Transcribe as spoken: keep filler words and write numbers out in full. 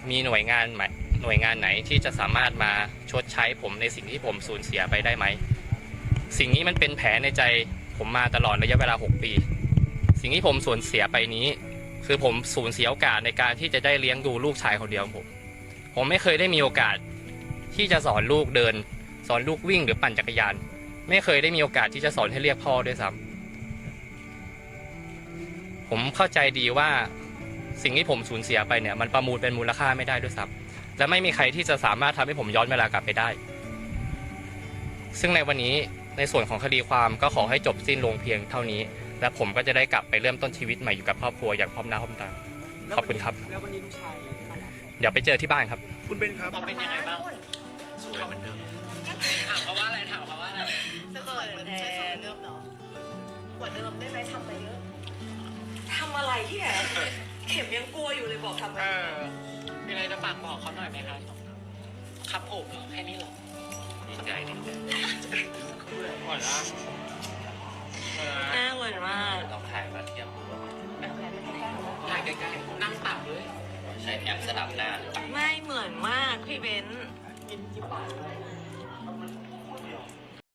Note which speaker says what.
Speaker 1: มีหน่วยงานหน่วยงานไหนที่จะสามารถมาชดใช้ผมในสิ่งที่ผมสูญเสียไปได้ไหมสิ่งนี้มันเป็นแผลในใจผมมาตลอดระยะเวลาหกปีสิ่งที่ผมสูญเสียไปนี้คือผมสูญเสียโอกาสในการที่จะได้เลี้ยงดูลูกชายคนเดียวของผมผมไม่เคยได้มีโอกาสที่จะสอนลูกเดินสอนลูกวิ่งหรือปั่นจักรยานไม่เคยได้มีโอกาสที่จะสอนให้เรียกพ่อด้วยซ้ำผมเข้าใจดีว่าสิ่งที่ผมสูญเสียไปเนี่ยมันประมูลเป็นมูลค่าไม่ได้ด้วยซ้ำและไม่มีใครที่จะสามารถทำให้ผมย้อนเวลากลับไปได้ซึ่งในวันนี้ในส่วนของคดีความก็ขอให้จบสิ้นลงเพียงเท่านี้และผมก็จะได้กลับไปเริ่มต้นชีวิตใหม่อยู่กับครอบครัวอย่างพร้อมหน้าพร้อมตาขอบคุณครับ
Speaker 2: แล้ววันนี้ลูกชาย
Speaker 1: เดี๋ยวไปเจอที่บ้านครับ
Speaker 2: คุณเบนครับ
Speaker 3: เป็นยังไงบ้างสวยเหมือนเดิมถามเขาว่าอะไรถามเขาว่าอะไร
Speaker 4: จะเกิดเหมือนใช้สวยเดิมเนาะกว่าเดิมได้ไหมทำไปเยอะทำอะไรที่ไหนเข็มยังกลัวอยู่เลยบอกทำไปเยอะ
Speaker 3: มีอะไรจะฝากบอกเขาหน่อยไหมคะครับผมแค่นี้หรอดีใจดีหมดละ
Speaker 4: หน้าเหมือนมาก
Speaker 3: ลองถ่ายมาเทียบดูถ่ายใกล้ๆนั่งต่ำเลยใช้แอปสลับหน้าหรือเปล่า
Speaker 4: ไม่เหมือนมากพี่เบนซ์